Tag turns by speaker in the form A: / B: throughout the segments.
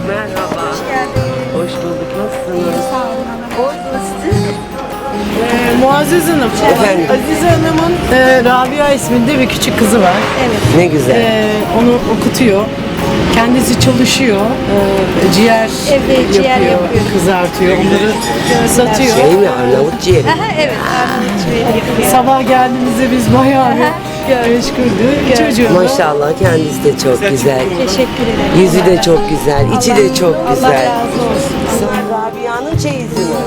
A: Merhaba.
B: Hoş geldiniz.
A: Hoş bulduk. Nasılsınız?
B: Sağ olun. Orada siz.
C: Muazzez Hanım,
A: Efendim?
C: Azize Hanım'ın Rabia isminde bir küçük kızı var.
B: Evet.
A: Ne güzel.
C: Onu okutuyor. Kendisi çalışıyor. Ciğer
B: Evde ciğer yapıyor.
C: kızartıyor. Onları satıyor.
A: Şey mi? Arnavut ciğeri.
B: Aha, evet. Arnavut ciğeri yapıyor.
C: Sabah geldiğimizde biz bayağı bir meşguldük. Çocuğu da
A: Maşallah kendisi de çok güzel.
B: Teşekkür ederim.
A: Yüzü de çok güzel. İçi de çok
B: Allah
A: güzel.
B: razı olsun.
A: Rabia'nın çeyizi mi?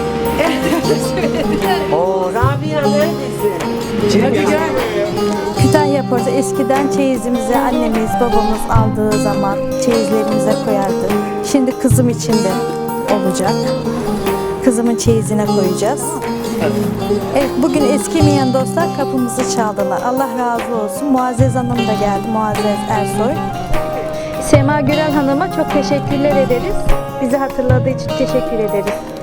A: Oo Rabia neredesin?
D: Kütahya Portu eskiden çeyizimizi annemiz, babamız aldığı zaman çeyizlerimize koyardı. Şimdi kızım için de olacak. Kızımın çeyizine koyacağız. Evet, bugün eskimeyen dostlar kapımızı çaldılar. Allah razı olsun. Muazzez Hanım da geldi, Muazzez Ersoy. Sema Gürel Hanım'a çok teşekkürler ederiz. Bizi hatırladığı için teşekkür ederiz.